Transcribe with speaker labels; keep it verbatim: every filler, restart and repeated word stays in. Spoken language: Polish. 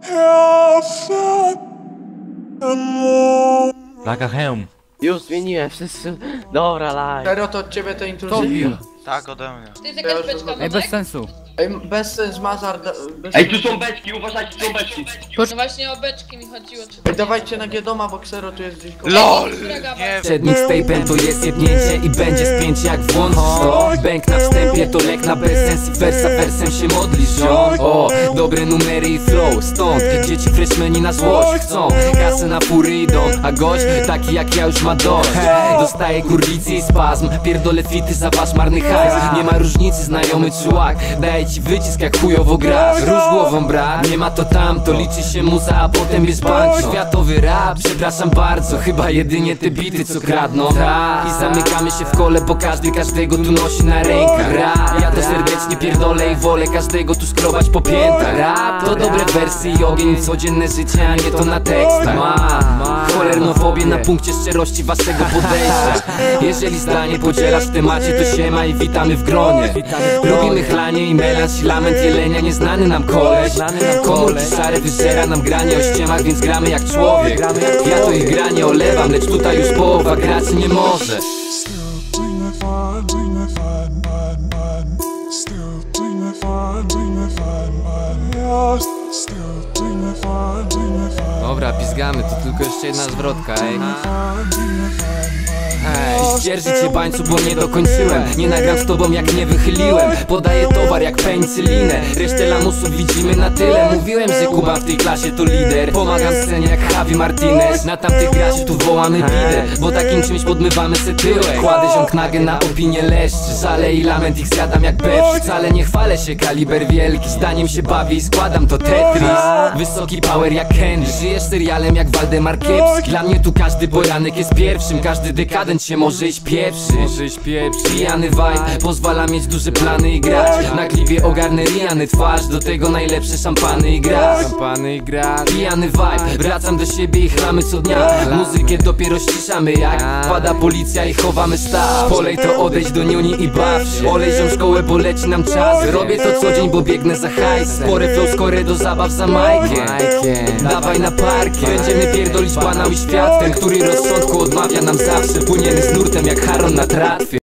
Speaker 1: Laga hełm.
Speaker 2: Już zmieniłem wszystko. Dobra, live.
Speaker 3: Serio, to od ciebie te intruzje?
Speaker 4: Tak, ode mnie.
Speaker 5: To jest jakaś beczka
Speaker 1: Ej, bez
Speaker 5: wodek?
Speaker 1: sensu.
Speaker 3: Ej, bez sens, Mazar... da- bez
Speaker 6: Ej,
Speaker 3: sensu.
Speaker 6: tu są beczki, uważajcie, są beczki.
Speaker 5: No właśnie o beczki mi chodziło, czy
Speaker 3: Ej, dawajcie na G-doma, bo Xero tu jest gdzieś koło.
Speaker 4: LOL!
Speaker 5: Którego
Speaker 4: Nie
Speaker 7: Przed mixtape'em to jest jebnięcie i będzie spięcie jak włączysz to. Bęk na wstępie to lek na bezsens i wersa wersem się modlisz, ziom. O, dobre numery i flow, stąd dzieci freshmeni na złość chcą. Kasę na fury idą, a gość taki jak ja już ma dość. Dostaje kurwicy i spazm, pierdolę fity za wasz marny hajs. Nie ma różnicy, znajomy czułak, daję ci wycisk jak chujowo grasz. Róż głową brat, nie ma to tam, to liczy się muza, a potem jest bank. Światowy rap, przepraszam bardzo, chyba jedynie te bity co kradną. Ta. I zamykamy się w kole, bo każdy każdego tu nosi na rękach. Rap, ja to serdecznie pierdolę i wolę każdego tu skrobać po piętach. Rap, to dobre wersy i ogień, codzienne życie, a nie to na tekstach. Ma cholernofobię na punkcie szczerości waszego podejścia. Jeżeli zdanie podzielasz w temacie, to siema i witamy w gronie. Robimy chlanie i melanż i lament jelenia, nieznany nam koleś. Komórki szare wyżera nam granie o ściemach, więc gramy jak człowiek. Ja to ich granie olewam, lecz tutaj już połowa graczy nie może. Dobra, pizgamy, to tylko jeszcze jedna zwrotka, ej. Hej, zdzierży cię bańcu, bo nie dokończyłem. Nie nagram z tobą jak nie wychyliłem. Podaję towar jak penicylinę. Resztę lamusów widzimy na tyle. Mówiłem, że Kuba w tej klasie to lider. Pomagam scenie jak Javi Martinez. Na tamtych graczy tu wołamy bidę, bo takim czymś podmywamy se tyłek. Kładę ziąg nagę na opinię leszczy. Żale i lament ich zjadam jak bewszy. Wcale nie chwalę się, kaliber wielki. Zdaniem się bawię i składam to Tetris. Wysoki power jak Henry. Żyjesz serialem jak Waldemar Kiepski. Dla mnie tu każdy poranek jest pierwszym. Każdy dekadent się może iść pierwszy. Może iść pierwszy. Pijany vibe pozwala mieć duże plany i grać. Na klipie ogarnę Riany twarz, do tego najlepsze szampany i grać. Szampany i grać. Pijany vibe, wracam do siebie i chlamy co dnia. Muzykę dopiero ściszamy jak pada policja i chowamy staw. Polej to odejdź do niuni i baw się. Olej ziom szkołę, bo leci nam czas. Robię to co dzień, bo biegnę za hajs. Spore flow, skore do zabaw za Majkiem. Dawaj na parkie. Będziemy pierdolić banał i świat. Ten, który rozsądku odmawia nam zawsze. Płyniemy z nurtem jak Haron na tratwie.